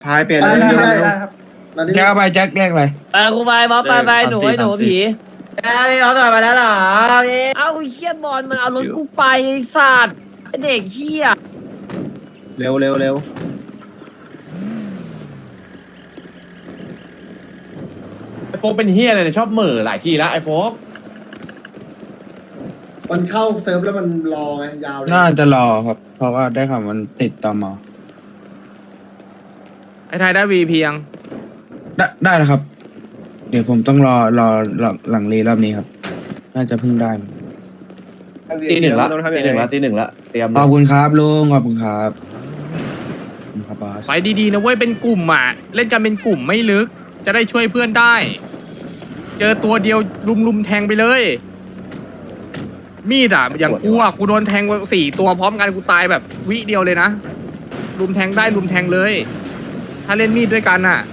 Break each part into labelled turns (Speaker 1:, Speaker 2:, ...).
Speaker 1: พายเปลี่ยนเลย
Speaker 2: ได้
Speaker 1: เร็ว
Speaker 2: ได้ครับ
Speaker 1: มาดิ
Speaker 3: แจ็คเอาไปแจ็คเลขอะไร
Speaker 4: ไปกูไปบ๊อบไปหนูไอ้หนูผี
Speaker 2: เอาต่อมาแล้วเหรอพี่
Speaker 4: เอ้าไอ้เฮียบอลมันเอารถกูไปไอ้สัตว์ไอ้เด็กเฮีย
Speaker 1: เร็วเร็วเร็ว
Speaker 5: ไอโฟกเป็นเฮียอะไรเนี่ยชอบเหม่อหลายทีแล้วไอโฟก
Speaker 1: มันเข้าเซิร์ฟแล้วมันรอไงยาวเลย
Speaker 3: น่าจะรอครับ เพราะว่าได้ข่าวมันติดตม
Speaker 6: ไอ้ไทยได้วีพียัง
Speaker 3: ได้แล้วครับ เดี๋ยวผมต้องรอหลังรีรอบนี้ครับ น่าจะเพิ่งได้
Speaker 5: ตีหนึ่งละตีหนึ่งละตีหนึ่งละเตรียม
Speaker 3: ขอบคุณครับลุงขอบคุณครับขอบคุณครับบอส
Speaker 6: ไปดีๆนะเว้ยเป็นกลุ่มอ่ะ เล่นกันเป็นกลุ่มไม่ลึก จะได้ช่วยเพื่อนได้ เจอตัวเดียวลุมแทงไปเลย มีดอ่ะอย่างกูอ่ะกูโดนแทง4 ตัวพร้อมกันกูตายแบบวิเดียวเลยนะลุมแทงได้ลุมแทงเลย ถ้าเล่นมีดด้วยกันอ่ะ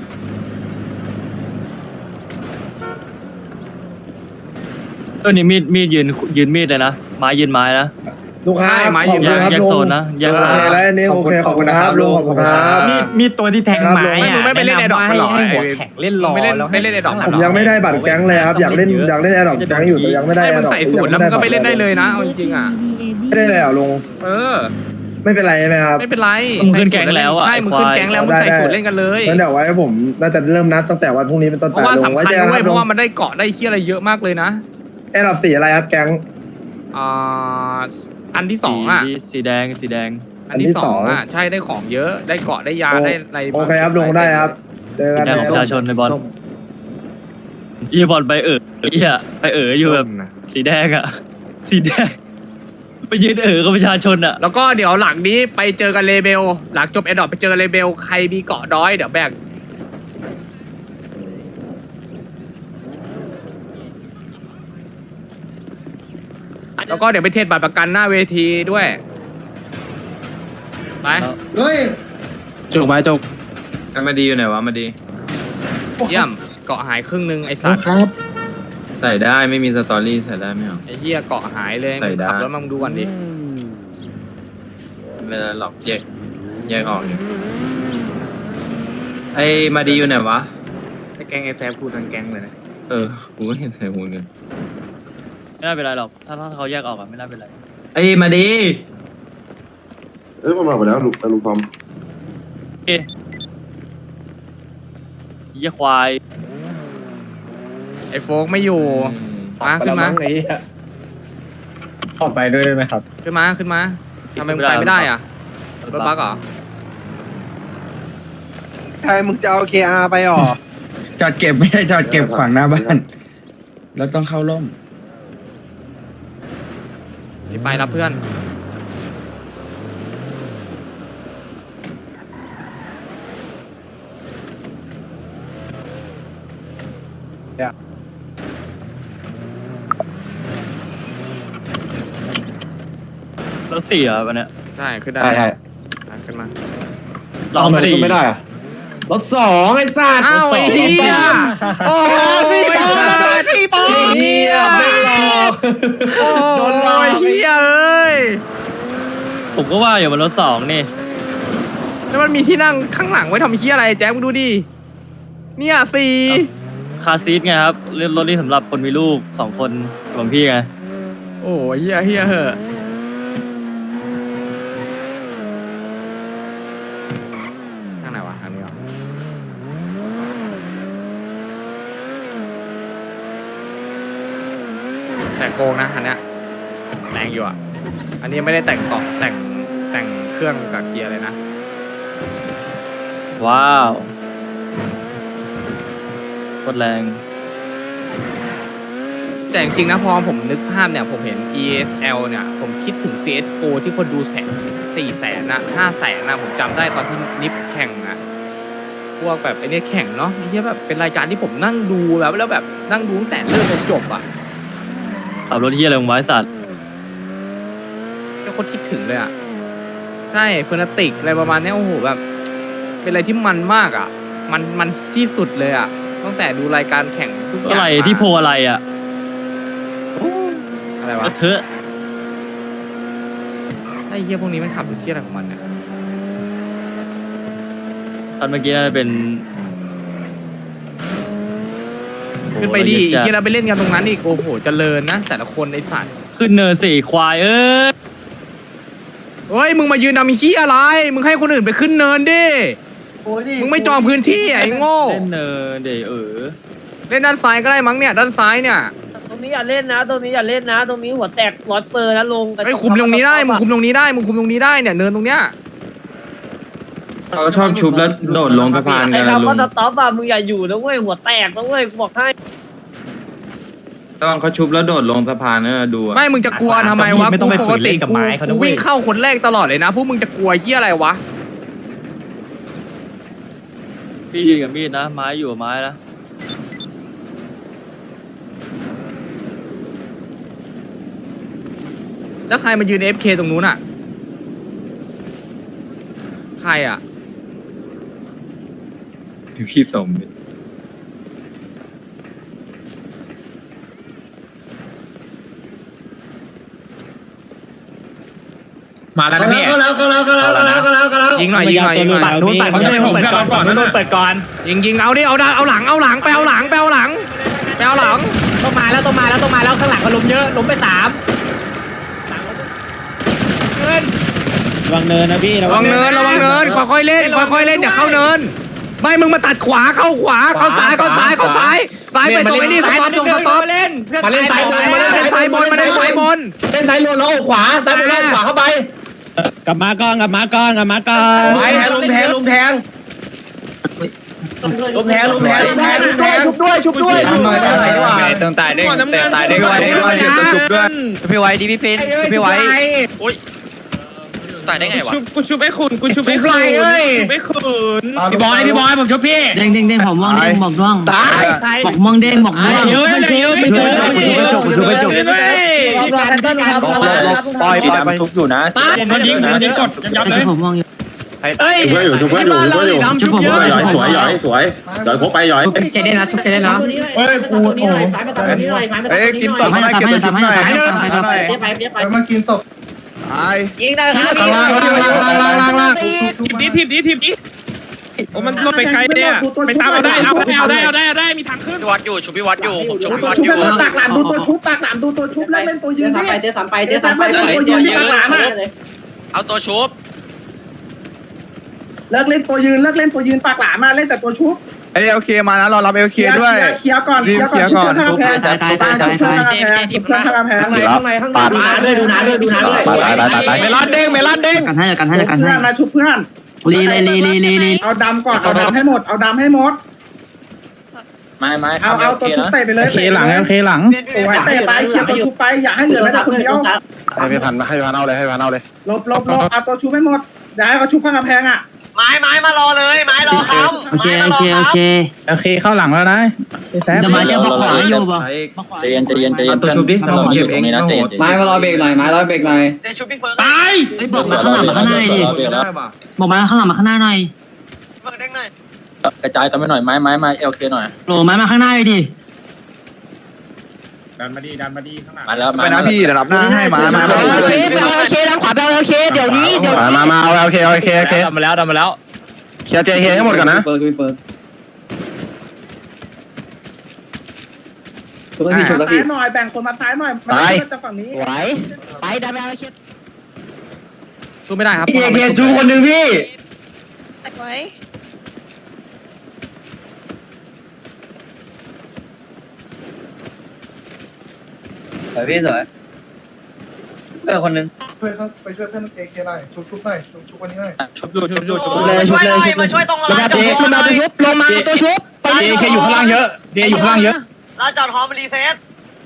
Speaker 7: นี่มีดยืนมีดเลยนะไม้ยืนไม้นะ
Speaker 1: ลูกค้า
Speaker 6: ใช่ไม้
Speaker 1: ขอบ
Speaker 6: ยื
Speaker 1: คุณ
Speaker 6: น
Speaker 1: ครับ
Speaker 7: แยก
Speaker 1: ลุง
Speaker 7: โซนนะแยก
Speaker 1: โอ
Speaker 7: โซน
Speaker 1: เคแล้วอันนี้โอเคขอบคุณนะครับลุงขอบคุณครับ
Speaker 2: มีตัวที่แทงไม้
Speaker 6: ไม่มึงไม่ไปเล่นไอ้ดอกมันหรอ
Speaker 2: ให้หัวแข็งเล่นรอ
Speaker 6: ไม่เล่น
Speaker 2: แล้ว
Speaker 6: ไม่เล่นไอ้ดอกมัน
Speaker 1: ผม
Speaker 6: หรอ
Speaker 1: ยังไม่ได้บัตรแก๊งเลยครับอยากเล่นแอร์ดรอปแก๊งอยู่แต่ยังไม่ได้
Speaker 6: ให้
Speaker 1: แอ
Speaker 6: มึ
Speaker 1: ร์
Speaker 6: ง
Speaker 1: ดรอป
Speaker 6: ใส่สูตรแล้วมึงก็ไปเล่นได้เลยนะเอาจริงๆอ่ะ
Speaker 1: ไม่ได้เลยเหรอลุง
Speaker 6: เออ
Speaker 1: ไม่เป็นไรใช่ไหมครับ
Speaker 6: ไม่เป็นไร
Speaker 7: มึงขึ้นแก๊งแล้วอ่ะ
Speaker 6: ใช่มึงขึ้นแก๊งแล้วมึงใส่สูตรเล่นกันเลย
Speaker 1: งั้นเดี๋ยวไว้ผมน่าจะเริ่มนัดตั้งแต่วันพรุ่งนี้เป็นต้น
Speaker 6: เพ
Speaker 1: ไป
Speaker 6: ราะว่า
Speaker 1: ลุง
Speaker 6: สำ
Speaker 1: ไว้
Speaker 6: คัญ
Speaker 1: เจอกัน
Speaker 6: ด้
Speaker 1: คว รั
Speaker 6: ย
Speaker 1: บ
Speaker 6: เพ
Speaker 1: ลุง
Speaker 6: ราะว่ามันได้เกาะได้เฮียอะไรเยอะมากเลยนะ
Speaker 1: แอร์ดรอปสีอะไรครับแก๊ง
Speaker 6: อ่าอันที่สองอ่ะ
Speaker 7: สีแดง
Speaker 6: อันที่สองอ่ะใช่ได้ของเยอะได้เกาะได้ยาได้อะไร
Speaker 1: โอเคครับลุงได้ครับเจอ
Speaker 7: สี
Speaker 1: กัน
Speaker 7: แดง
Speaker 1: นะ
Speaker 7: ของประชาชนในบอลอีบอลไปไปอยู่แบบสีแดงอ่ะสีแดงไปยืนกับประชาชนอ่ะ
Speaker 6: แล้วก็เดี๋ยวหลังนี้ไปเจอกันเลเบลหลังจบแอดดอปไปเจอเลเบลใครมีเกาะด้อยเดี๋ยวแบ่งแล้วก็เดี๋ยวไปเทศบัตรประกันหน้าเวทีด้วยไป
Speaker 1: เฮ้ย
Speaker 5: จุกไปจุก
Speaker 8: มาดีอยู่ไหนวะมาดี
Speaker 6: เยี่ยมเกาะหายครึ่งนึงไอ้สัตว์
Speaker 8: ใส่ได้ไม่มีสตอรี่ใส่ได้ไม่เอา
Speaker 6: ไอ้เหี้ยเกาะหายเลย
Speaker 8: ใส่ได้
Speaker 6: ขับรถมาดูก่อนดิ
Speaker 8: ไม่ได้หลอกแยกออกอยู่ไอ้มาดีอยู่ไหนวะ
Speaker 6: ไอ้แก๊งไอ้แซมพูดทั้งแก๊งเลยนะ
Speaker 8: กูก็เห็นใส่หูเงิน
Speaker 7: ไม่น่าเป็นไรหรอกถ้าเขาแยกออกอ่ะไม่น่าเป็นไร
Speaker 8: ไอ้มาดี
Speaker 1: มันมาไปแล้วลุงทอม
Speaker 7: ยี่ควาย
Speaker 6: ไอ้โฟกไม่อยู่มาขึ้นมา
Speaker 5: ไอ้เหี้ย
Speaker 2: ออกไปด้วยได้ไหมครับ
Speaker 6: ขึ้นมาทำไมมึงไปไม่ได้อ่ะรถบัสเหรอ
Speaker 1: ใครมึงจะเอา KR ไปหรอ
Speaker 3: จอดเก็บไม่ได้จอดเก็บขวางหน้าบ้านแล้วต้องเข้าร่ม
Speaker 6: ไปรับเพื่อน
Speaker 7: รถสี่อ่ะวันเนี้ย
Speaker 6: ใช่ขึ้นได้
Speaker 5: ใช่ใช่
Speaker 6: ขึ้นมา
Speaker 7: ลองสี่
Speaker 5: ไม่ได้อะรถ2ไอ้สัตว์
Speaker 6: อ้าวไอ้เหี้ยโอ้ย
Speaker 2: สี่ปอ
Speaker 5: เฮียไม่หลอก
Speaker 6: โดนลอยเหี้ยเอ้ย
Speaker 7: ผมก็ว่าอยู่มันรถสองนี่
Speaker 6: แล้วมันมีที่นั่งข้างหลังไว้ทำเหี้ยอะไรแจ๊คมึงดูดิเนี่ยสี่
Speaker 7: คาร์ซีทไงครับเรื่องรถนี่สำหรับคนมีลูก2 คนของพี่ไง
Speaker 6: โอ้ยเหี้ยเหอะทางไหนวะทางนี้เหรอแต่โกงนะอันเนี้ยแรงอยู่อ่ะอันนี้ไม่ได้แต่งเกาะแต่งเครื่องกับเกียร์เลยนะ
Speaker 7: ว้าวโคตรแรง
Speaker 6: แต่จริงๆนะพอผมนึกภาพเนี่ยผมเห็น ESL เนี่ยผมคิดถึง CSGO ที่คนดู400,000นะ500,000นะผมจำได้ตอนที่นิฟแข่งนะพวกแบบไอ้เนี่ยแข่งเนาะไอ้เหี้ยแบบเป็นรายการที่ผมนั่งดูแบบแล้วแบบนั่งดูตั้งแต่เริ่มจนจบอ่ะ
Speaker 7: ขับรถที่อะไรของไว้สัตว์
Speaker 6: ก็โคตรคิดถึงเลยอ่ะใช่เฟอร์นาติกอะไรประมาณเนี้ยโอ้โหแบบเป็นอะไรที่มันมากอ่ะมันที่สุดเลยอ่ะตั้งแต่ดูรายการแข่งทุกอย่าง
Speaker 7: อะไร
Speaker 6: มา
Speaker 7: ที่โพอะไรอ่ะ
Speaker 6: อะไรวะ
Speaker 7: ก็เถอะ
Speaker 6: ไอ้เหี้ยพวกนี้มันขับอยู่ที่อะไรของมันเนี่ย
Speaker 7: ตอนเมื่อกี้น่าจะเป็น
Speaker 6: ขึ้นไปดิ
Speaker 7: โอ้โหละเอียดจัด
Speaker 6: ที่เราไปเล่นกันตรงนั้นอีกโอ้โหเจริญนะ แต่ละคนไอสัตว์
Speaker 7: ขึ้นเนินสี่ควาย
Speaker 6: เฮ้ยมึงมายืนทำเหี้ยอะไร มึงให้คนอื่นไปขึ้นเนินดิมึงไม่จองพื้นที่ไอ้โง่
Speaker 7: เล่นเนินเดี๋ยว
Speaker 6: เล่นด้านซ้ายก็ได้มั้งเนี่ยด้านซ้ายเนี่ย
Speaker 4: ตรงนี้อย่าเล่นนะ ตรงนี้อย่าเล่นนะ ตรงนี้หัวแตกร้อยเปอร์นะลง
Speaker 6: ไอ้ยคุมตรงนี้ได้มึงคุมตรงนี้ได้มึงคุมตรงนี้ได้เนี่ยเนินตรงเนี้ย
Speaker 8: เขาชอบชุบแล้วโดดลงสะพานกั
Speaker 4: ไอ้
Speaker 8: นนะ
Speaker 4: คำ
Speaker 8: ลุ
Speaker 4: ว่าง สต็อปอะมึงอย่าอยู่นะเว้ยหัวแตกนะเว้ยกูบอกให้
Speaker 8: ตอนเขาชุบแล้วโดดลงสะพานนะดูอะ
Speaker 6: ไม่มึงจะกลัวทำไมวะ
Speaker 2: ไม่ต้องไป
Speaker 6: กู
Speaker 2: ฝืนเล่นกับไม้เขานะ
Speaker 6: กู
Speaker 2: เว้ย
Speaker 6: วิ่งเข้าคนแรกตลอดเลยนะพวกมึงจะกลัวเหี้ยอะไรวะ
Speaker 7: พี่ยืนกับมีดนะไม้อยู่กับไม้นะ
Speaker 6: แล้วใครมายืน FK ตรงนู้นอ่ะใครอ่ะ
Speaker 8: พี่สม
Speaker 2: มาแล้วนะพี่
Speaker 6: ยิงหน่อยยิงหน่อยยิงหน่อย
Speaker 2: ฝั่งนู้นฝั่งนู้นผมกับเราก่อนนู้นเปิดก่อน
Speaker 6: ยิงเอาดิเอาหลังไปเอาหลัง
Speaker 2: ต้องมาแล้วข้างหลังก็ล้มเยอะล้มไป3ระวังเนินนะพี่
Speaker 6: ระวังเนินค่อยๆเล่นอย่าเข้าเนินไม่มึงมาตัดขวาเข้าซ้ายไปตรงไอ้นี่สต็อป
Speaker 5: มาเล่นซ้ายบน
Speaker 6: มาเล่นซ้ายบน
Speaker 5: เล่นซ้ายบนแล้วขวาซ้ายบนแล้วขวาเข้าไป
Speaker 2: กลับมาก่อน
Speaker 5: ไปแทงลุมแทงชุบด้วย
Speaker 2: ต้องตายได้ชุบด้วยพี่ไว้ดิพี่ฟินพี่ไว้
Speaker 9: ตายได้ไงวะ
Speaker 2: กูชุบไอ้ขุนชุบไอ้ขุนพี่บอยผมชุบพี่
Speaker 4: เด้งผมม่วงเด้งบอกด้วง
Speaker 5: ตาย
Speaker 4: บอกม่วงเด้งบอกด้วง
Speaker 2: เยอะไม่เจอปล่อยไปทุบอยู่นะมันยิงกดยับเลย
Speaker 4: ผมม่วงอยู่
Speaker 5: เฮ้ยชุบเพื่อนอยู่
Speaker 4: ชุบผมม่วงสวย
Speaker 5: หย่อยพกไปหย่อย
Speaker 4: เจเด้นะชุบเจเด้นะ
Speaker 2: เฮ้ยกูโอ้
Speaker 1: เอ้ยกินตบให้เก็บตัวชุบหน่อยมากินตบตาย
Speaker 4: ยิงได้ครับ
Speaker 1: ล่าง
Speaker 2: ทีมนี้โอ้มันลดไปไกลเนี่ยไปตามเอาได้มีทางขึ้น
Speaker 9: พี่วัดอยู่ชุบพี่วัดอยู่ผมชุบพี่วัดอยู่
Speaker 1: ปากหลามดูตัวชุบแล้วเล่นตัวยืน
Speaker 4: เจ๊สามไปเจ๊สามไป
Speaker 9: เอาตัวชุบ
Speaker 1: เลิกเล่นตัวยืนปากหลามมาเล่นแต่ตัวชุบไอ้โอเคมานะรอรับเอลเคด้วยเคลียร์ก่อนชุบแพ้ตายชุบข้างแพ้ข้างในปาดด้วยดูนะด้วยตายเมลอนเด้ง
Speaker 4: กันให้กันให้
Speaker 1: นะชุบเพื่อน
Speaker 4: ลี
Speaker 1: เอาดำก่อนเอาดำให้หมด
Speaker 8: ไม่
Speaker 1: เอาตัวชุบเตะไปเลย
Speaker 2: เคหลังโ
Speaker 1: อ้ยเตะไปเคลียร์ตัวชุบไปอย่าให้เหลือแม้แต่คนเดียวให้พันเอาเลยลบเอาตัวชุบให้หมดอย่าให้เขาชุบข้างกำแพงอ่ะ
Speaker 9: ไม้มารอเลยไม้รอคำ
Speaker 4: โอเค
Speaker 2: เข้าหลังแล้วนะ
Speaker 4: เดี๋ยวมาจะบอกขวาอยู่ป่ะ
Speaker 8: ใจเย็นตัวชุบดิเราเก็บเองนะ
Speaker 5: ไม้มารอเบรกหน่อย
Speaker 9: เดี๋ยวชุบพี่เฟิร์
Speaker 2: ตาย
Speaker 4: เฮ้ยบอกมาข้างหลังมาข้างหน้าดิบอกมาข้างหลังมาข้างหน้าหน่อย
Speaker 9: เฟิร์เด้งหน่อย
Speaker 8: กระจายกันไปหน่อยไม้เอลเคหน่อย
Speaker 4: โหลไม้มาข้างหน้าดิ
Speaker 2: ดันมาดีข้างหลัง
Speaker 8: มาแล้ว
Speaker 1: ไปนะพี่เดี๋ยวรับหน้าให้มา
Speaker 4: โอเคด้านขวาไปโอเคเดี๋ยวนี้
Speaker 1: มาโอเค
Speaker 2: ดันมาแล้ว
Speaker 1: เคลียร์เจเฮให้หมดก่อนนะซ้ายหน่อยแบ่งคนมาซ้ายหน่อยจะฝั่งนี้
Speaker 4: ไหวไปดันไปโอเค
Speaker 6: สู้ไม่ได้ครับ
Speaker 1: เคจูคนหนึ่งพี่
Speaker 9: ไว้
Speaker 2: พี่สวยคนนึง
Speaker 1: ไปช่วยเพื่อนเจเคหน่อยชุบหน่อยชุบวันนี้หน่อย
Speaker 2: ชุบอยู่
Speaker 9: มาช่วยตรงร้าน
Speaker 4: เจ๊ลงมาตัวชุบ
Speaker 2: เจอยู่ข้างล่างเยอะ
Speaker 9: ร้านจอดฮอมรีเซ็ต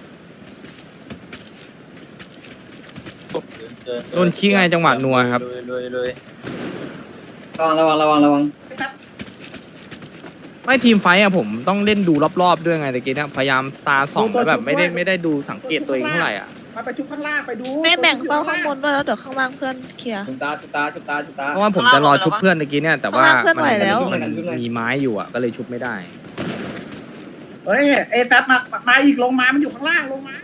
Speaker 6: โดนชี้ไงจังหวะนัวครับ
Speaker 8: เลย
Speaker 5: ระวัง
Speaker 6: ไม่ทีมไฟท์อะผมต้องเล่นดูรอบๆด้วยไงตะกี้เนี่ยพยายามตาส่องแล้วแบบไม่ได้ดูสังเกตตัวเองเท่าไหร่อ่ะ
Speaker 1: มาไปชุบข้างล่างไปดู
Speaker 9: ไม่แบ่งเป้าข้างบนด้วยแล้วเดี๋ยวข้างล่างเพื่อนเคลียร์
Speaker 5: ชุบตา
Speaker 6: เพราะว่าผมจะรอชุบเพื่อนตะกี้เนี่ยแต่ว่า
Speaker 9: ข้างล่างเคลื่อนไหวแล้ว
Speaker 6: มันมีไม้อยู่อ่ะก็เลยชุบไม่ได้
Speaker 1: เฮ้ยเอแซปมาอีกลงมามันอยู่ข้างล่างลงมา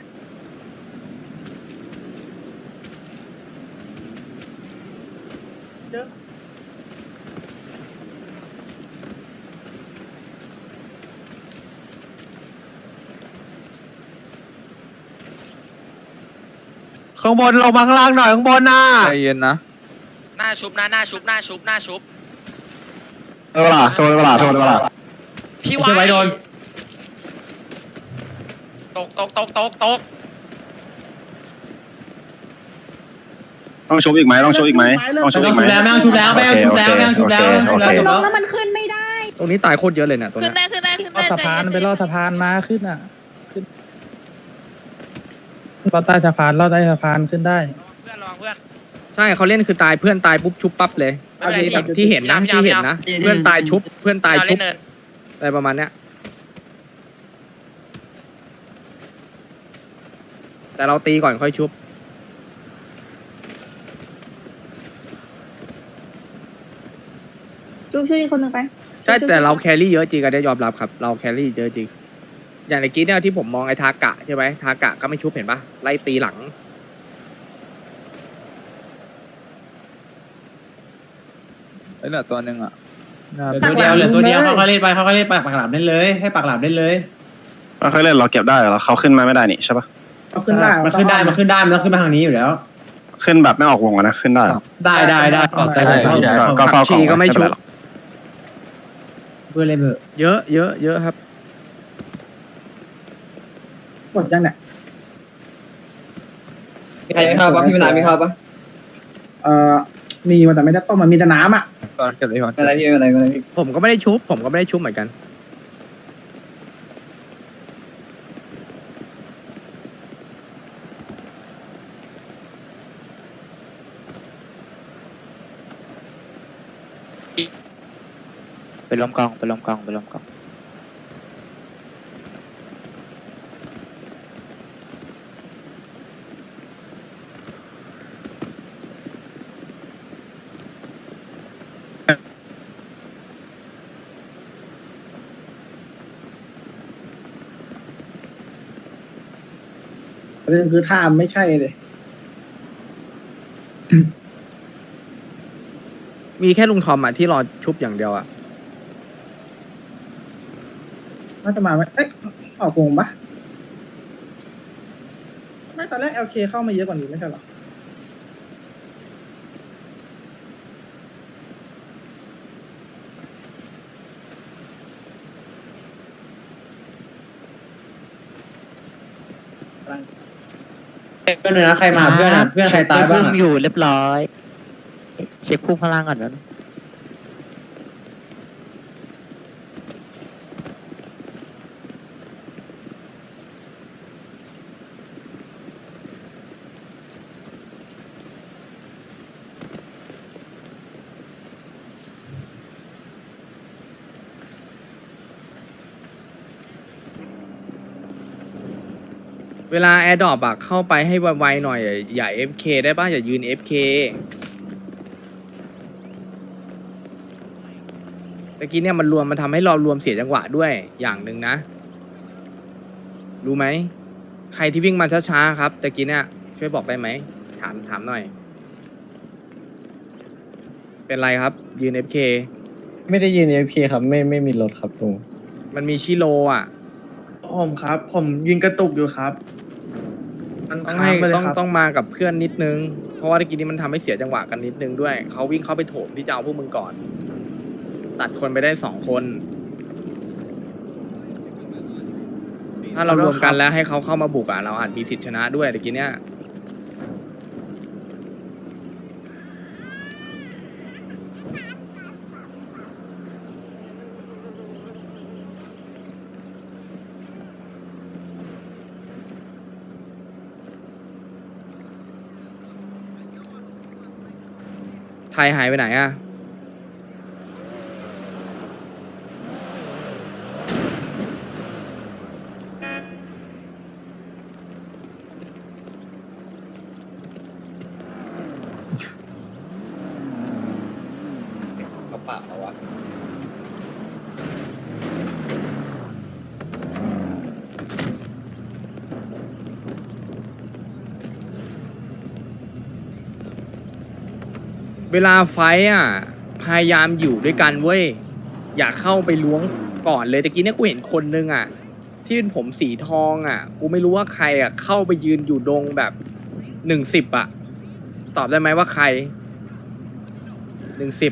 Speaker 1: ข้างบนลงมาข้างล่างหน่อยข้างบนน่ะ
Speaker 8: ใจเย็นนะ
Speaker 9: หน้าชุบนะหน้าชุบหน้าชุบหน้าชุบ
Speaker 1: โดนเวลา
Speaker 9: พี่ไว้โดนตก
Speaker 1: ต้องชุบอีกไหมต้องชุบอีกไหมต้องชุบอีกไหม
Speaker 5: แล้วไม่ต้องชุบแล้วไม่ต้องชุบแล้วไม่ต้องชุบแล้ว
Speaker 10: แล้วมันขึ้นไม่ได้
Speaker 6: ตรงนี้ตายโคตรเยอะเลยเนี่ยตัว
Speaker 9: ขึ้
Speaker 6: เนี้
Speaker 9: น
Speaker 6: ย
Speaker 9: ได้ขึ้นได้
Speaker 3: สะพานไปลอดสะพานมาขึ้นอ่ะ
Speaker 1: ลอดใต้สะพานขึ้นได้
Speaker 9: เพื่อนรอเพื่อน
Speaker 6: ใช่เขาเล่นคือตายเพื่อนตายปุ๊บชุบปั๊บเลย
Speaker 9: ไม่เป็นไร
Speaker 6: แบบที่เห็นนะ
Speaker 9: พี่
Speaker 6: ที่เห็น
Speaker 9: ยาว
Speaker 6: นะเพื่อนตายชุบเพื่อนตายชุบ
Speaker 9: เนิน
Speaker 6: อะไรประมาณเนี้ยแต่เราตีก่อนค่อยชุบ
Speaker 10: จุ๊บช่วยอีกคนหนึ่งไป
Speaker 6: ใช่แต่เราแครี่เยอะจริงกันได้ยอมรับครับเราแครี่เยอะจริงอย่างในกี้เนี่ยที่ผมมองไอ้ทากะใช่ไหมทากะก็ไม่ชุบเห็นปะไล่ตีหลัง
Speaker 8: ไอ้เหลือตัวหนึ่งอ่ะ
Speaker 5: เหลือตัวเดียวเขาเล่นไปปากหลามเล่นเลยให้ปากหลามเล่นเลย
Speaker 1: เขาเล่นเราเก็บได้เหรอเขาขึ้นมาไม่ได้นี่ใช่ปะ
Speaker 5: มันขึ้นได้มันต้องขึ้นมาทางนี้อยู่แล้ว
Speaker 1: ขึ้นแบบไม่ออกวงนะขึ้นได้
Speaker 5: ได้ขอบใจเลย
Speaker 1: ก็เฝ้า
Speaker 6: ชีก็ไม่ชุบ
Speaker 5: เพื่อนเล่นเบอร์
Speaker 6: เยอะครับ
Speaker 1: หมดยังเนี่ย
Speaker 3: มีใครไม่เข้าปะพี่มนาไม่เข้าปะ
Speaker 1: มีแต่ไม่ได้ต้มมันมีแต่น้ำอ่ะ
Speaker 8: ตอนเก็บเลยก่อน
Speaker 3: อะไรพี่อะไรพี่
Speaker 6: ผมก็ไม่ได้ชุบเหมือนกัน
Speaker 3: ไปล้มกอง
Speaker 1: เรื่องคือท่าไม่ใช่เลย
Speaker 6: มีแค่ลุงทอมอ่ะที่รอชุบอย่างเดียวอ่ะ
Speaker 1: น่าจะมาไหมออกวงปะไม่ตอนแรก LK เข้ามาเยอะกว่านี้ไม่ใช่หรอ
Speaker 5: เพื่อนเลยนะใครมาเพื่อนใครตายบ้าง
Speaker 3: อยู่เรียบร้อยเช็คพุ่งข้างล่างก่อนนะ
Speaker 6: เวลาแอร์ดรอปอะเข้าไปให้ไวๆหน่อยอย่า FK ได้ป่ะอย่ายืน FK ตะกี้เนี่ยมันทำให้เรารวมเสียจังหวะด้วยอย่างหนึ่งนะ รู้ไหมใครที่วิ่งมาช้าๆครับตะกี้เนี่ยช่วยบอกได้ไหมถามหน่อย เป็นไรครับยืน FK
Speaker 3: ไม่ได้ยืน FK ครับไม่มีรถครับลุง
Speaker 6: มันมีชิโลอ่ะ
Speaker 3: ผมครับ ผมยืนกระตุกอยู่ครับ
Speaker 6: ต้องมากับเพื่อนนิดนึง เพราะว่าตะกี้นี้มันทำให้เสียจังหวะกันนิดนึงด้วยเขาวิ่งเข้าไปโถมที่จะเอาพวกมึงก่อน ตัดคนไปได้2 คน ถ้าเรารวมกันแล้วให้เขาเข้ามาบุกอ่ะเราอาจมีสิทธิชนะด้วยตะกี้เนี้ยไทยหายไปไหนอ่ะเขาปากเขาวะเวลาไฟท์อ่ะพยายามอยู่ด้วยกันเว้ยอย่าเข้าไปล้วงก่อนเลยตะกี้เนี่ยกูเห็นคนนึงอ่ะที่เป็นผมสีทองอ่ะกูไม่รู้ว่าใครอ่ะเข้าไปยืนอยู่ดงแบบ 110อะตอบได้ไหมว่าใคร110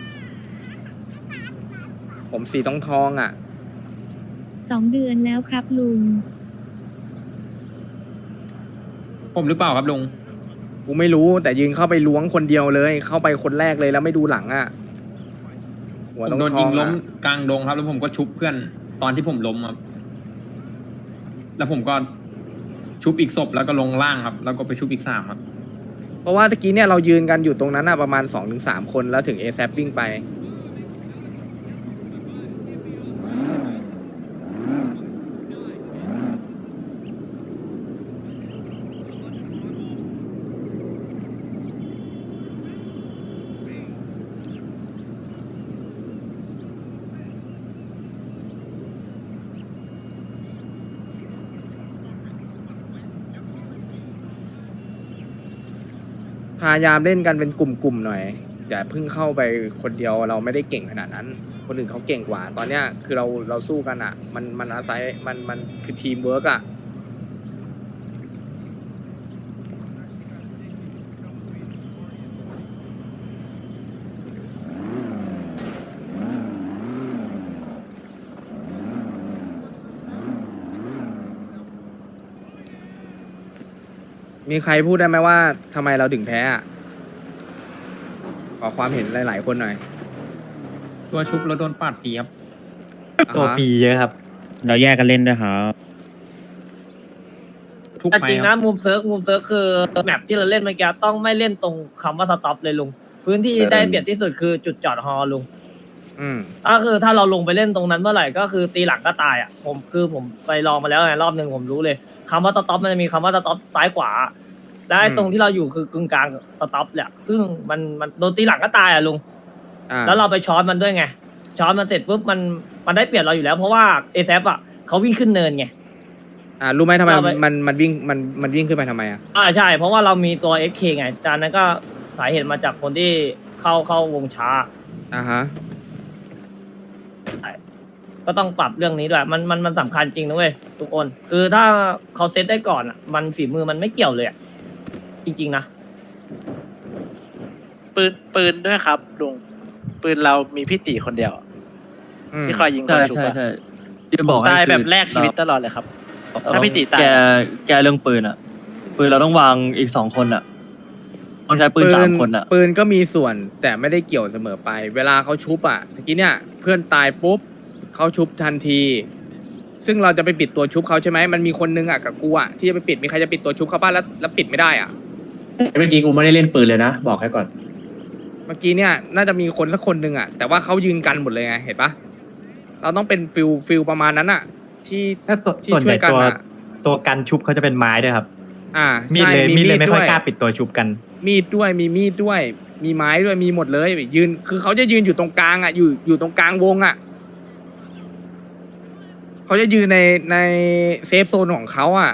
Speaker 6: ผมสีทองอะ
Speaker 10: 2 เดือนแล้วครับลุง
Speaker 1: ผมหรือเปล่าครับลุง
Speaker 6: กูไม่รู้แต่ยืนเข้าไปล้วงคนเดียวเลย เข้าไปคนแรกเลยแล้วไม่ดูหลังอะหัว
Speaker 1: ผม
Speaker 6: ต้อง
Speaker 1: โดน
Speaker 6: ท
Speaker 1: ยิ
Speaker 6: อง ง
Speaker 1: ล้ม
Speaker 6: อะ
Speaker 1: กลางดงครับ แล้วผมก็ชุบเพื่อนตอนที่ผมล้มครับแล้วผมก็ชุบอีกศพแล้วก็ลงล่างครับ แล้วก็ไปชุบอีก3ครับ
Speaker 6: เพราะว่าตะกี้เนี่ยเรายืนกันอยู่ตรงนั้นอะประมาณ 2-3 คนแล้วถึง ASAP วิ่งไปพยายามเล่นกันเป็นกลุ่มๆหน่อยอย่าเพิ่งเข้าไปคนเดียวเราไม่ได้เก่งขนาดนั้น คนอื่นเขาเก่งกว่า ตอนเนี้ยคือเราสู้กันอ่ะมันอาศัยมันคือทีมเวิร์กอ่ะมีใครพูดได้ไหมว่าทำไมเราถึงแพ้อะขอความเห็นหลายๆคนหน่อย
Speaker 1: ตัวชุบแล้วโดนปาดฟรีครับ
Speaker 6: ตัวฟรีเยอะครับ
Speaker 3: เราแยกกันเล่นด้วยครับ
Speaker 1: ทุก
Speaker 4: แต่
Speaker 1: ไฟ
Speaker 4: จริง
Speaker 1: ค
Speaker 4: นะ
Speaker 1: รับ
Speaker 4: มุมเซิร์ฟคือแมปที่เราเล่นเมื่อกี้ต้องไม่เล่นตรงคำว่าสต็อปเลยลุง พื้นที่ได้เปรียบที่สุดคือจุดจอดฮอลุง
Speaker 6: อืม
Speaker 4: ก็คือถ้าเราลงไปเล่นตรงนั้นเมื่อไหร่ก็คือตีหลังก็ตายอ่ะผมไปลองมาแล้วไงรอบหนึ่งผมรู้เลยคำว่าสต็อปมันจะมีคำว่าสต็อปซ้ายขวา และไอ้ตรงที่เราอยู่คือกึ่งกลางสต็อปแหละซึ่งมันโดนตีหลังก็ตายอ่ะลุง แล้วเราไปช้อนมันด้วยไง ช้อนมันเสร็จปุ๊บมันได้เปรียบเราอยู่แล้ว เพราะว่าเอแซอ่ะเขาวิ่งขึ้นเนินไง
Speaker 6: รู้ไหมทำไม
Speaker 4: เราไป
Speaker 6: มันวิ่งขึ้นไปทำไมอ่ะ
Speaker 4: ใช่ เพราะว่าเรามีตัว FK ไงจากนั้นก็สาเหตุมาจากคนที่เข้าวงช้า
Speaker 6: ฮะ
Speaker 4: ก็ต้องปรับเรื่องนี้ด้วยมันสำคัญจริงนะเว้ยทุกคน คือถ้าเขาเซตได้ก่อนอ่ะ มันฝีมือมันไม่เกี่ยวเลยอ่ะจริงๆนะ
Speaker 11: ปืนด้วยครับลุงปืนเรามีพี่ตีคนเดียว ที่คอยยิงค
Speaker 7: ใช่
Speaker 11: นชุบ
Speaker 7: ใช่
Speaker 11: อะ
Speaker 7: ใช่ที่บอกให้
Speaker 11: ตาย
Speaker 7: คือ
Speaker 11: แบบแลกชีวิตตลอดเลยครับ ถ้าพี่ตีตาย
Speaker 7: แกเรื่องปืนอ่ะ ปืนเราต้องวางอีก2 คนอ่ะต้องใช้ปืน3 คนอ่ะ
Speaker 6: ปืนก็มีส่วนแต่ไม่ได้เกี่ยวเสมอไป เวลาเขาชุบอ่ะเมื่อกี้เนี่ยเพื่อนตายปุ๊บเขาชุบทันที ซึ่งเราจะไปปิดตัวชุบเขาใช่ไหมมันมีคนนึงอ่ะกับกูอ่ะที่จะไปปิดมีใครจะปิดตัวชุบเขาบ้างแล้วปิดไม่ได้อ่ะ
Speaker 5: เมื่อกี้กูไม่ได้เล่นปืนเลยนะบอกให้ก่อน
Speaker 6: เมื่อกี้เนี่ยน่าจะมีคนสักคนหนึ่งอ่ะแต่ว่าเขายืนกันหมดเลยไงเห็นปะเราต้องเป็นฟิลประมาณนั้นอ่ะที่ช่วยกันอ่ะ
Speaker 3: ตัวกันชุบเขาจะเป็นไม้ด้วยครับ
Speaker 6: มีดเลยไม่ค่อยกล้าปิด
Speaker 3: ตัวชุบกัน
Speaker 6: มีดด้วยมีมีดด้วยมีไม้ด้วยมีหมดเลยยืนคือเขาจะยืนอยู่ตรงกลางอ่ะอยู่ตรงกลางวงอ่ะเขาจะยืนในเซฟโซนของเขาอ่ะ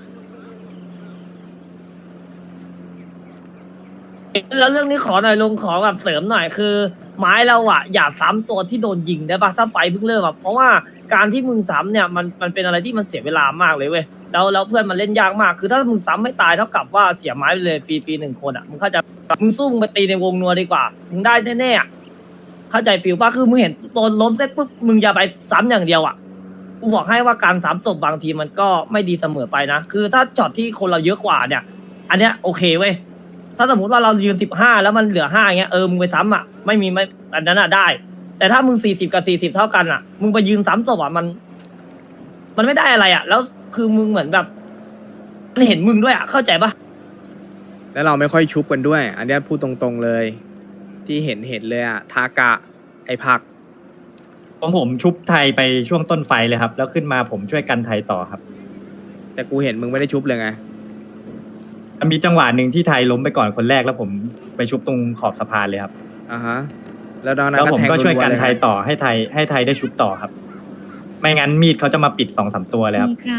Speaker 4: แล้วเรื่องนี้ขอหน่อยลุงขอแบบเสริมหน่อยคือ ไม้เราอ่ะอย่าซ้ำตัวที่โดนยิงได้ปะถ้าไฟเพิ่งเริ่มอ่ะเพราะว่าการที่มึงซ้ำเนี่ยมันเป็นอะไรที่มันเสียเวลามากเลยเว้ยแล้วเพื่อนมันเล่นยากมากคือถ้ามึงซ้ำไม่ตายเท่ากับว่าเสียไม้ไปเลยฟรี1 คนอ่ะมึงเข้าใจมึงสู้มึงไปตีในวงนัวดีกว่ามึงได้แน่ๆอะเข้าใจฟิลป่ะคือมึงเห็นตัวล้มเสร็จปุ๊บมึงอย่าไปซ้ำอย่างเดียวอ่ะกูบอกให้ว่าการซ้ำศพบางทีมันก็ไม่ดีเสมอไปนะคือถ้าช็อตที่คนเราเยอะกว่าเนี่ย อันเนี้ยโอเคเว้ยถ้าสมมติว่าเรายืน15แล้วมันเหลือ5อย่างเงี้ยมึงไปซ้ำอ่ะไม่อันนั้นอ่ะได้ แต่ถ้ามึง40กับ40เท่ากันอ่ะมึงไปยืนซ้ำศพอ่ะมันไม่ได้อะไรอ่ะแล้วคือมึงเหมือนแบบมันเห็นมึงด้วยอ่ะเข้าใจปะ
Speaker 6: แล้วเราไม่ค่อยชุบกันด้วย อันเนี้ยพูดตรงๆเลย ที่เห็นเลยอ่ะทากะไอผัก
Speaker 3: ผมชุบไทยไปช่วงต้นไฟเลยครับ แล้วขึ้นมาผมช่วยกันไทยต่อครับ
Speaker 6: แต่กูเห็นมึงไม่ได้ชุบเลยไง
Speaker 3: มีจังหวะหนึ่งที่ไทยล้มไปก่อนคนแรกแล้วผมไปชุบตรงขอบสะพานเลยครับ
Speaker 6: ฮะแล้วตอนนั้น
Speaker 3: แล้วผม
Speaker 6: แทง
Speaker 3: ก็ช่วยกัน
Speaker 6: รัๆเล
Speaker 3: ไทยต่อให้ไทยได้ชุบต่อครับ ไม่งั้นมีดเขาจะมาปิด2-3 ตัวเลยครับ
Speaker 10: มีครับ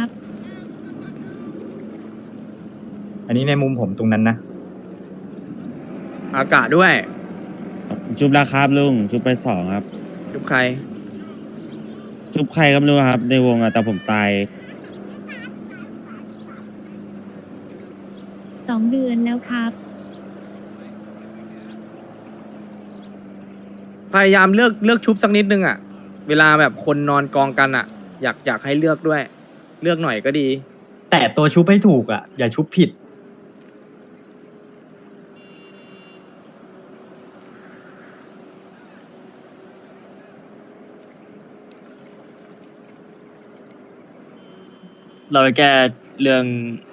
Speaker 3: อันนี้ในมุมผมตรงนั้นนะ
Speaker 6: อากาศด้วย
Speaker 3: ชุบราครับลุงชุบไป2ครับ
Speaker 6: ชุบใคร
Speaker 3: ชุบใครก็ไม่รู้ครับ ในวงอะแต่ผมตาย
Speaker 10: 2 2 เดือนแล้วครับ
Speaker 6: พยายามเลือกชุบสักนิดนึงอ่ะ เวลาแบบคนนอนกองกันอ่ะ อยากให้เลือกด้วย เลือกหน่อยก็ดี
Speaker 7: แต่ตัวชุบให้ถูกอ่ะ อย่าชุบผิด เราจะแก้เรื่อง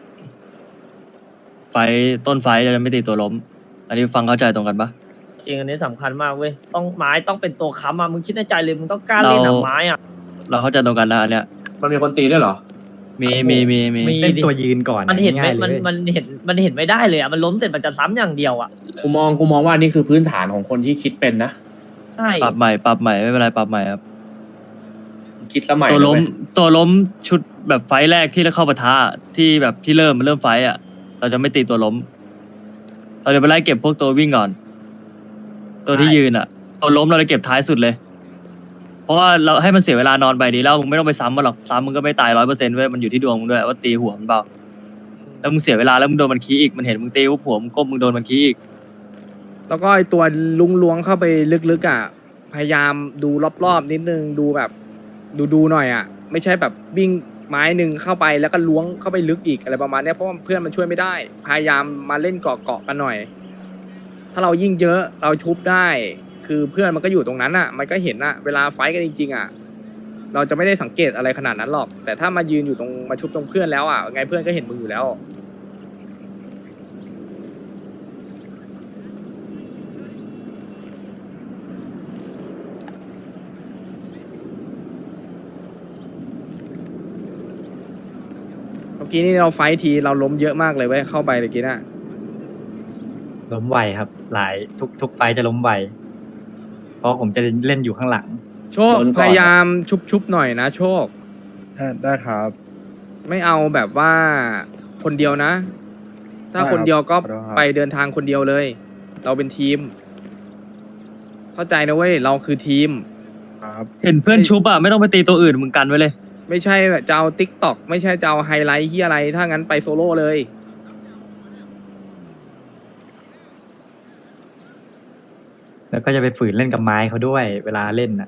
Speaker 7: ต้นไฟเราจะไม่ตีตัวล้ม อันนี้ฟังเข้าใจตรงกันปะ
Speaker 4: จริงอันนี้สำคัญมากเว้ยต้องไม้ต้องเป็นตัวค้ำอ่ะมึงคิดในใจเลยมึงต้องกล้าเล่นหนังไม้อ่ะ
Speaker 7: เราเข้าใจตรงกันนะอันเนี้ย
Speaker 1: มันมีคนตีด้วยเหรอ
Speaker 7: มี
Speaker 4: เล่นตัวยืนก่อนมันเห็นไหมมันเห็นไม่ได้เลยอ่ะมันล้มเสร็จมันจะซ้ำอย่างเดียวอ่ะ
Speaker 1: กูมองว่านี่คือพื้นฐานของคนที่คิดเป็นนะ
Speaker 4: ใช่
Speaker 7: ปรับใหม่ไม่เป็นไรปรับใหม่ครับ
Speaker 1: คิดสมัย
Speaker 7: ตัวล้มชุดแบบไฟท์แรกที่เราเข้าปะทะที่แบบที่เริ่มไฟท์อ่ะ เราจะไม่ตีตัวล้ม เราจะไปไล่เก็บพวกตัววิ่งก่อน ตัวที่ยืนอ่ะ ตัวล้มเราจะเก็บท้ายสุดเลย เพราะว่าเราให้มันเสียเวลานอนไปดีแล้วมึงไม่ต้องไปซ้ำมันหรอกซ้ำมึงก็ไม่ตาย100%เว้ยมันอยู่ที่ดวงมึงด้วยว่าตีหัวมันเปล่าแล้วมึงเสียเวลาแล้วมึงโดนมันขี้อีกมันเห็นมึงตีหัวมึงก้มมึงโดนมันขี้อีก
Speaker 6: แล้วก็ไอตัวลุงล้วงเข้าไปลึกๆอ่ะ พยายามดูรอบๆนิดนึงดูแบบดูหน่อยอ่ะ ไม่ใช่แบบวิ่งไม้หนึ่งเข้าไปแล้วก็ล้วงเข้าไปลึกอีกอะไรประมาณเนี้ยเพราะว่าเพื่อนมันช่วยไม่ได้ พยายามมาเล่นเกาะกันหน่อย ถ้าเรายิ่งเยอะเราชุบได้ คือเพื่อนมันก็อยู่ตรงนั้นอ่ะ มันก็เห็นอ่ะเวลาไฟท์กันจริงๆอ่ะ เราจะไม่ได้สังเกตอะไรขนาดนั้นหรอก แต่ถ้ามายืนอยู่ตรงมาชุบตรงเพื่อนแล้วอ่ะไงเพื่อนก็เห็นมึงอยู่แล้ว เมื่อกี้นี่เราไฟท์ทีเราล้มเยอะมากเลยเว้ยเข้าไปเมื่อกี้น่ะ
Speaker 7: ล้มไวครับหลายทุกไฟจะล้มไวเพราะผมจะเล่นอยู่ข้างหลัง
Speaker 6: โชคพยายามชุบหน่อยนะโชค
Speaker 3: ได้ครับ
Speaker 6: ไม่เอาแบบว่าคนเดียวนะ ถ้าคนเดียวก็ไปเดินทางคนเดียวเลย เราเป็นทีม เข้าใจนะเว้ยเราคือทีม
Speaker 7: เห็นเพื่อนชุบอ่ะไม่ต้องไปตีตัวอื่นมึงกันไว้เลย
Speaker 6: ไม่ใช่แบบจะเอาติ๊กต็อกไม่ใช่จะเอาไฮไลท์ที่อะไร ถ้างั้นไปโซโล่เลย
Speaker 7: แล้วก็จะไปฝืนเล่นกับไม้เขาด้วยเวลาเล่นอ่ะ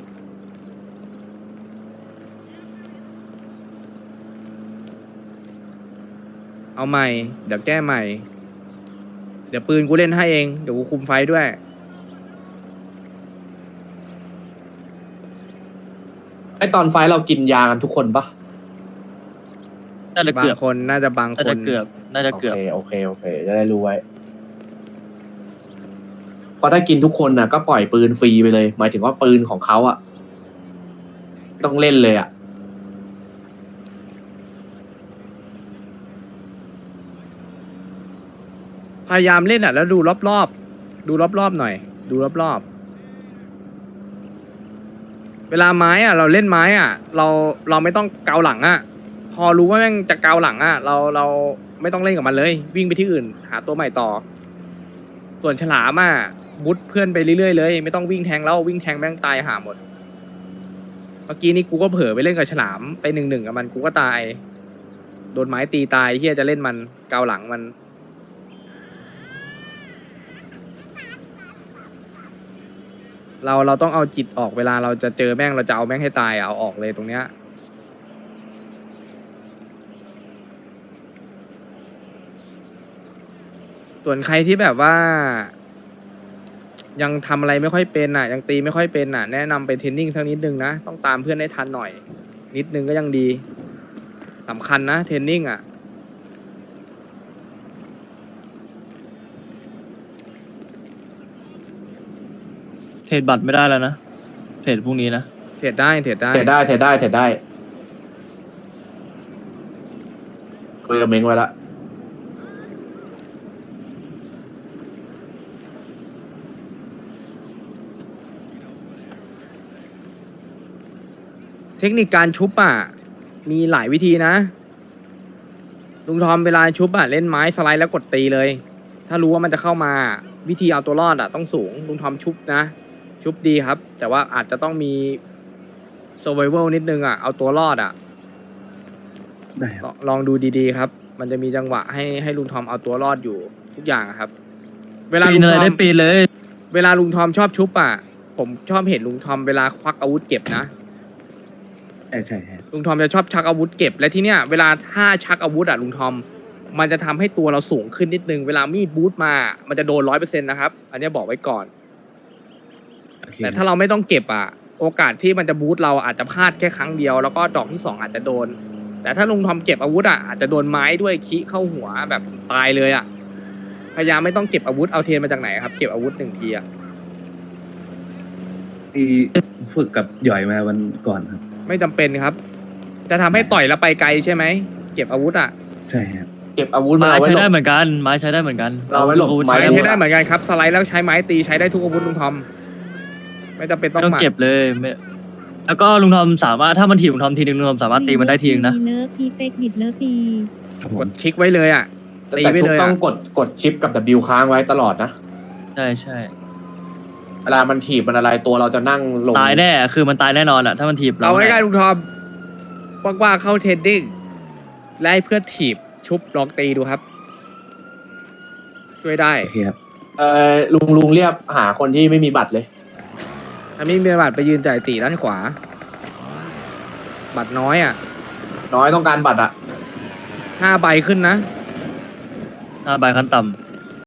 Speaker 6: เอาใหม่ เดี๋ยวแก้ใหม่ เดี๋ยวปืนกูเล่นให้เองเดี๋ยวกูคุมไฟด้วย
Speaker 1: ไอตอนไฟเรากินยากันทุกคนปะ
Speaker 7: น่าจะ
Speaker 6: บา
Speaker 7: เกือบ
Speaker 6: งคนน่าจะบางคน
Speaker 7: น่าจะเกือบ
Speaker 1: โอเคจะได้รู้ไว้เพราะถ้ากินทุกคนน่ะก็ปล่อยปืนฟรีไปเลย หมายถึงว่าปืนของเขาอ่ะต้องเล่นเลยอ่ะ
Speaker 6: พยายามเล่นอ่ะแล้วดูรอบๆดูรอบๆหน่อย ดูรอบๆเวลาไม้อ่ะ เราเล่นไม้อ่ะ เราไม่ต้องเกาหลังอ่ะ พอรู้ว่าแม่งจะเกาหลังอ่ะ เราไม่ต้องเล่นกับมันเลย วิ่งไปที่อื่น หาตัวใหม่ต่อ ส่วนฉลามอ่ะมุดเพื่อนไปเรื่อยๆเลย ไม่ต้องวิ่งแทงแล้ววิ่งแทงแม่งตายหาหมด เมื่อกี้นี้กูก็เผลอไปเล่นกับฉลามไป1-1กับมันกูก็ตาย โดนไม้ตีตายเฮียจะเล่นมันเกาหลังมัน เราต้องเอาจิตออกเวลาเราจะเจอแม่งเราจะเอาแม่งให้ตายเอาออกเลยตรงเนี้ยส่วนใครที่แบบว่า ยังทำอะไรไม่ค่อยเป็นอ่ะ ยังตีไม่ค่อยเป็นอ่ะ แนะนำไปเทรนนิ่งสักนิดนึงนะต้องตามเพื่อนให้ทันหน่อย นิดนึงก็ยังดีสำคัญนะเทรนนิ่งอ่ะ
Speaker 7: เทรดบัตรไม่ได้แล้วนะเทรดพรุ่งนี้นะ
Speaker 6: เทรดได้
Speaker 1: เทรดได้คุยกับเม้งไว้ละ
Speaker 6: เทคนิคการชุบอ่ะมีหลายวิธีนะลุงทอมเวลาชุบอ่ะเล่นไม้สไลด์แล้วกดตีเลย ถ้ารู้ว่ามันจะเข้ามาวิธีเอาตัวรอดอ่ะต้องสูงลุงทอมชุบนะชุบดีครับ แต่ว่าอาจจะต้องมี survival นิดนึงอ่ะเอาตัวรอดอ่ะ
Speaker 3: ได้ครับ
Speaker 6: ลองดูดีๆครับมันจะมีจังหวะให้ลุงทอมเอาตัวรอดอยู่ทุกอย่างอะครับ เวลา
Speaker 7: ปี
Speaker 6: ลุ
Speaker 7: น
Speaker 6: ง
Speaker 7: อะไร
Speaker 6: ทอ
Speaker 7: ได้
Speaker 6: ม
Speaker 7: ปีนเลย
Speaker 6: เวลาลุงทอมชอบชุบอ่ะผมชอบเห็นลุงทอมเวลาควักอาวุธเก็บนะ
Speaker 3: ใช่ครับ
Speaker 6: ลุงทอมจะชอบชักอาวุธเก็บและที่เนี้ยเวลาถ้าชักอาวุธอ่ะลุงทอมมันจะทำให้ตัวเราสูงขึ้นนิดนึงเวลามีดบูทมามันจะโดน100%นะครับอันเนี้ยบอกไว้ก่อน แต่ถ้าเราไม่ต้องเก็บอ่ะโอกาสที่มันจะบูทเราอาจจะพลาดแค่ครั้งเดียวแล้วก็ดอกที่2อาจจะโดน แต่ถ้าลุงทอมเก็บอาวุธอ่ะอาจจะโดนไม้ด้วยคิเข้าหัวแบบตายเลยอ่ะพยายามไม่ต้องเก็บอาวุธเอาเทียนมาจากไหนครับเก็บอาวุธ1 ทีอ่ะ
Speaker 3: ที่ฝึกกับหย่อยมาวันก่อนครับ
Speaker 6: ไม่จำเป็นครับ จะทำให้ต่อยแล้วไปไกลใช่ไหมเก็บอาวุธอ่ะ
Speaker 3: ใช่ครับ
Speaker 1: เก็บอาวุธมา
Speaker 7: ไม้
Speaker 1: เอาไว้
Speaker 7: ใช้
Speaker 1: หล
Speaker 7: ได้
Speaker 1: บ
Speaker 7: เหมือนกันไม้ใช้ได้เหมือนกัน
Speaker 1: เราไว้หลบ
Speaker 7: อาวุธ
Speaker 1: ไม้
Speaker 6: ไม้
Speaker 7: ใช้
Speaker 6: ใช้
Speaker 7: ได้
Speaker 6: ได้เหมือนกันครับสไลด์แล้วใช้ไม้ตีใช้ได้ทุกอาวุธลุงทอมไม่จำเป็นต้อง
Speaker 7: ต้อง
Speaker 6: หมัด
Speaker 7: เก็บเลยไม่แล้วก็ลุงทอมสามารถถ้ามันถีบลุงทอมทีนึงลุงทอมสามารถตีมันได้ทีนึงนะ
Speaker 10: เลิฟพีเฟกบิดเลิฟพี
Speaker 6: กดคลิกไว้เลยอ่ะตี
Speaker 1: แต่
Speaker 6: ไว้
Speaker 1: ชุบ
Speaker 6: เลย
Speaker 1: ต้อ
Speaker 6: อ่ะ
Speaker 1: งกดชิปกับ W ค้างไว้ตลอดนะ
Speaker 7: ใช่ใช่
Speaker 1: เวลามันถีบมันอะไรตัวเราจะนั่งลง
Speaker 7: ตายแน่คือมันตายแน่นอนอะถ้ามันถีบ
Speaker 6: เอา
Speaker 7: แน่
Speaker 6: ง่ายๆลุงทอมว่างๆเข้าเทรดดิ้งและให้เพื่อนถีบชุบลองตีดูครับ ช่วยได้
Speaker 3: โอเคครับ
Speaker 1: ลุงเรียกหาคนที่ไม่มีบัตรเลย
Speaker 6: ถ้าไม่มีบัตรไปยืนจ่ายตีด้านขวา บัตรน้อยอ่ะ
Speaker 1: น้อยต้องการบัตรอะ
Speaker 6: 5 ใบขึ้นนะ
Speaker 7: 5 ใบขั้นต่ำ